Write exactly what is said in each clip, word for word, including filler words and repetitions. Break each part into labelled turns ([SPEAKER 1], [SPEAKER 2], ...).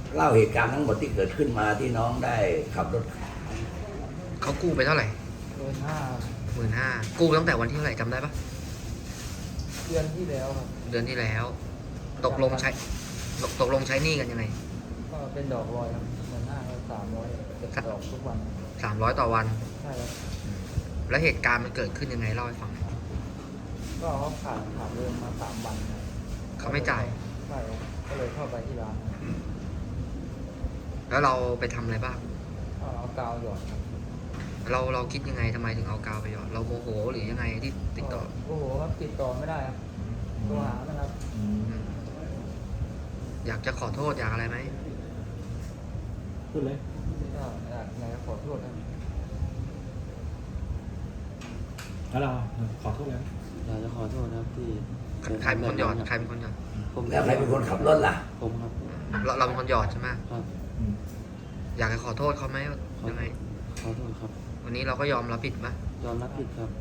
[SPEAKER 1] เล่าเหตุการณ์ทั้งหมดที่เกิดขึ้นมาที่น้องได้ขับรถ
[SPEAKER 2] เขากู้ไปเท่าไหร่
[SPEAKER 3] หมื่นห้า
[SPEAKER 2] หมื่นห้ากู้ตั้งแต่วันที่เท่าไหร่จำได้ปะ
[SPEAKER 3] เดือนที่แล้วครับ
[SPEAKER 2] เดือนที่แล้ว ตกลงใช้ตกลงใช้หนี้กันยังไง
[SPEAKER 3] ก็เป็นดอกลอยครับหมื่นห้าสามร้อยเก็บดอกทุกวัน
[SPEAKER 2] สามร้อยต่อวัน
[SPEAKER 3] ใช่ครับ
[SPEAKER 2] แล้วเหตุการณ์มันเกิดขึ้นยังไงเล่าให้ฟัง
[SPEAKER 3] ก็เขาขาดขาดเงินมาสามวัน
[SPEAKER 2] เขาไม่จ่าย
[SPEAKER 3] ใช่ก็เลยเข้าไปที่ร้าน
[SPEAKER 2] แล้วเราไปทำอะไรบ้าง
[SPEAKER 3] เอากาวหยอดครับ
[SPEAKER 2] เราเราคิดยังไงทำไมถึงเอากาวไปหยอดเราโมโหหรือยังไงที่ติดต่อ
[SPEAKER 3] โอ้โหครับติดต่อไม่ได้ครับตัวหานะครับ
[SPEAKER 2] อยากจะขอโทษอยากอะไรไหม
[SPEAKER 3] พูดเลยก็อยากไงขอโทษครับ
[SPEAKER 4] แล้วเราขอโทษแล้ว
[SPEAKER 5] อยากจะขอโทษครับที่
[SPEAKER 2] ใครเป็นคนหยอดใครเป็นคนหยอด
[SPEAKER 5] ผม
[SPEAKER 1] แล้วใครเป็นคนขับรถล่ะ
[SPEAKER 5] ผมครับ
[SPEAKER 2] เราเราเป็นคนหยอดใช่ไหม
[SPEAKER 5] ครับ
[SPEAKER 2] อยากจะขอโทษเขาไหมยังไง
[SPEAKER 5] ขอโทษครับ
[SPEAKER 2] วันนี้เราก็ยอมรับผิดไหม
[SPEAKER 5] ยอมรับผิดครับ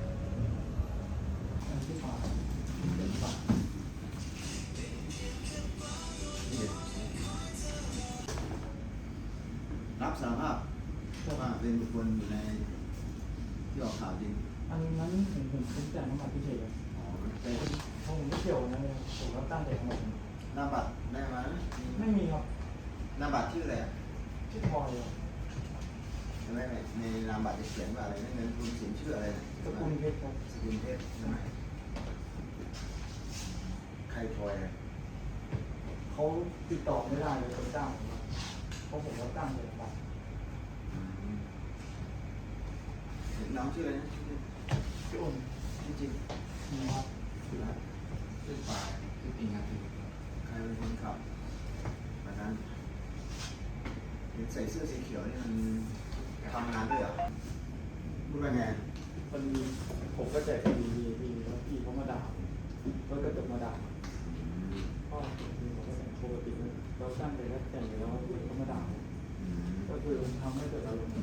[SPEAKER 6] รับสารภาพว่าเป็นบุคคลอยู่ในที่ออกข่าวจริง
[SPEAKER 3] อันนั้นผมผมผมจ่ายน้ำบัตรพิเศษครับ
[SPEAKER 6] อ๋อแต่
[SPEAKER 3] ผมไม่เกี่ยวนะผมรับตั้งแต่ทั้งหมด
[SPEAKER 6] หน้าบัตรได้ไหม
[SPEAKER 3] ไม่มีครับ
[SPEAKER 6] หน้าบัตรชื่ออะไร
[SPEAKER 3] ชื่อพลอย
[SPEAKER 6] ใช่ไหมในนามบัตรจะเขียนว่าอะไรนั่นเงินทุนสินชื่ออะไร
[SPEAKER 3] สกุลเพชรครับ
[SPEAKER 6] สกุลเพชรใช่ไหมใครพลอย
[SPEAKER 3] เขาติดต่อไม่ได้เลยคนจ้างผมเพราะผมรับตั้งเลยครับ
[SPEAKER 6] น้องชื่ออะไรนะ
[SPEAKER 3] ชื่ออ้น
[SPEAKER 6] จริง
[SPEAKER 3] จริงครับ
[SPEAKER 6] ชื่ออะไรชื่อปายชื่อปิงครับใครเป็นคนขับวันนั้นใส่เสื้อสีเขียวนี่มันทำงานด้วยเหรอพูดว่าไง
[SPEAKER 3] มันมีผมก็แจกมีมีมีแล้วพี่เขามาด่าก็กระจกมาด่าก็มีผมก็แต่งปกติเราตั้งเลยแล้วแต่งเลยแล้วเขามาด่าก็คือทำให้เกิดอารมณ์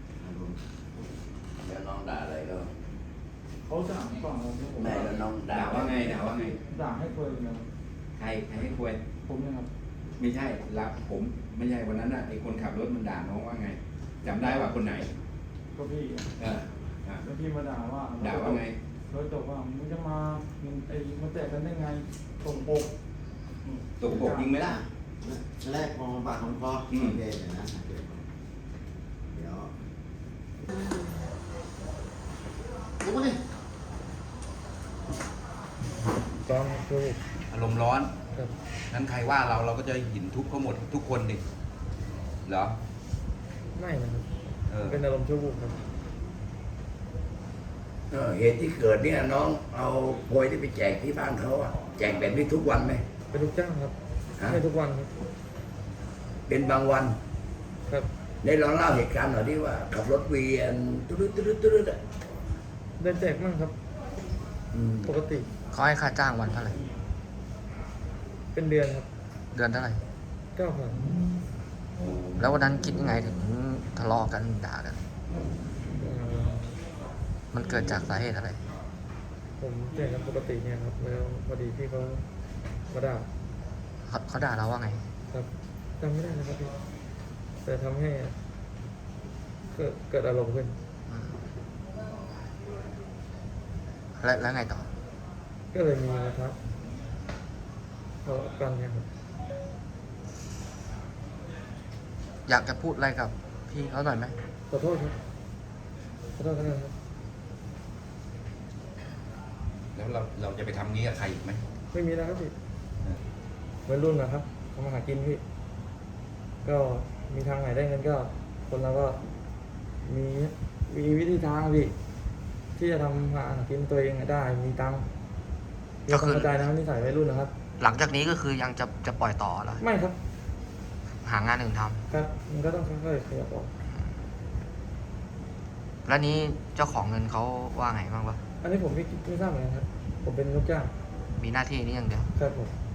[SPEAKER 1] แล้วน้องด่าอะไรก็
[SPEAKER 3] เขาด่าฝั่งเรา
[SPEAKER 1] แม่แล้วน้องด่า
[SPEAKER 7] ว่าไงด่าว่าไง
[SPEAKER 3] ด่าให้คุยนะ
[SPEAKER 7] ใครใครให้คุย
[SPEAKER 3] ผมนะครับ
[SPEAKER 7] ไม่ใช่รับผมไม่ใช่วันนั้นน่ะไอ้คนขับรถมันด่าน้องว่าไงจำได้ว่าคนไหน
[SPEAKER 3] ก็พี่
[SPEAKER 7] เออ
[SPEAKER 3] แล้วพี่มาด่าว่า
[SPEAKER 7] ด่าว่าไง
[SPEAKER 3] เขาจบว่ามึงจะมาไอ้มาแตะกันได้ไงตกปก
[SPEAKER 7] ตกปกยิงไหมล่ะ
[SPEAKER 6] แรกมองปากของคอโอเคเดี๋ยวนะเดี๋ยวรู้ไหม
[SPEAKER 3] ต้องคือ
[SPEAKER 7] อารมณ์ร้อนนั้นใครว่าเราเราก็จะหินทุบเขาหมดทุกคนดิเหรอ
[SPEAKER 3] ไม่นะครับเป็นอารมณ์ชั่ววูบครับ
[SPEAKER 1] เหตุที่เกิดเนี่ยน้องเอาโพยที่ไปแจกที่บ้านเขาอะแจกแบบนี้ทุกวันไหม
[SPEAKER 3] เป็นทุกจ้างครับไม่ทุกวันครับ
[SPEAKER 1] เป็นบางวัน
[SPEAKER 3] ครับ
[SPEAKER 1] ได้ลองเล่าเหตุการณ์หน่อยดิว่าขับรถเวียนตุ๊ดตุ๊ดตุ๊ดอะ
[SPEAKER 3] ได้แจกมั่งครับปกติ
[SPEAKER 2] เขาให้ค่าจ้างวันเท่าไหร่
[SPEAKER 3] เป็นเดือนครับ
[SPEAKER 2] เดือนเท่าไหร่
[SPEAKER 3] เก้าพัน
[SPEAKER 2] แล้ววันนั้นคิดยังไงถึงทะเลาะกันด่ากันมันเกิดจากสาเหตุอะไร
[SPEAKER 3] ผมแจกกันปกติเนี่ยครับแล้วพอดีพี่เขามาด่า
[SPEAKER 2] เขาด่าเราว่าไง
[SPEAKER 3] ครับจำไม่ได้นะครับพี่แต่ทำให้เกิดเกิดอารมณ์ขึ้น
[SPEAKER 2] แล้วแล้วไงต่อ
[SPEAKER 3] ก็เลยมีนะครับทะเลาะกันเนี่ยครับ
[SPEAKER 2] อยากจะพูดอะไรกับพี่เขาหน่อยไหม
[SPEAKER 3] ขอโทษครับขอโทษนะครับ
[SPEAKER 7] แล้วเราเราจะไปทำงี้กับใครอีกไหม
[SPEAKER 3] ไม่มีแล้วครับพี่วัยรุ่นนะครับทำมาหากินพี่ก็มีทางไหนได้เงินก็คนเราก็มีมีวิธีทางพี่ที่จะทำหากินตัวเองได้มีตังค์ก็คือเข้าใจนะนิสัยวัยรุ่นนะครับ
[SPEAKER 2] หลังจากนี้ก็คือยังจะจะปล่อยต่อหรอ
[SPEAKER 3] ไม่ครับ
[SPEAKER 2] หางานอื่นท
[SPEAKER 3] ำครับมันก็ต้องค่อยๆขยับออก
[SPEAKER 2] แล้วนี้เจ้าของเงินเขาว่าไงบ้างวะ
[SPEAKER 3] อันนี้ผมไม่ไม่ทราบเหมือนกันครับผมเป็นลูกจ้าง
[SPEAKER 2] มีหน้าที่นี้อย่างเดียว
[SPEAKER 3] ครับผม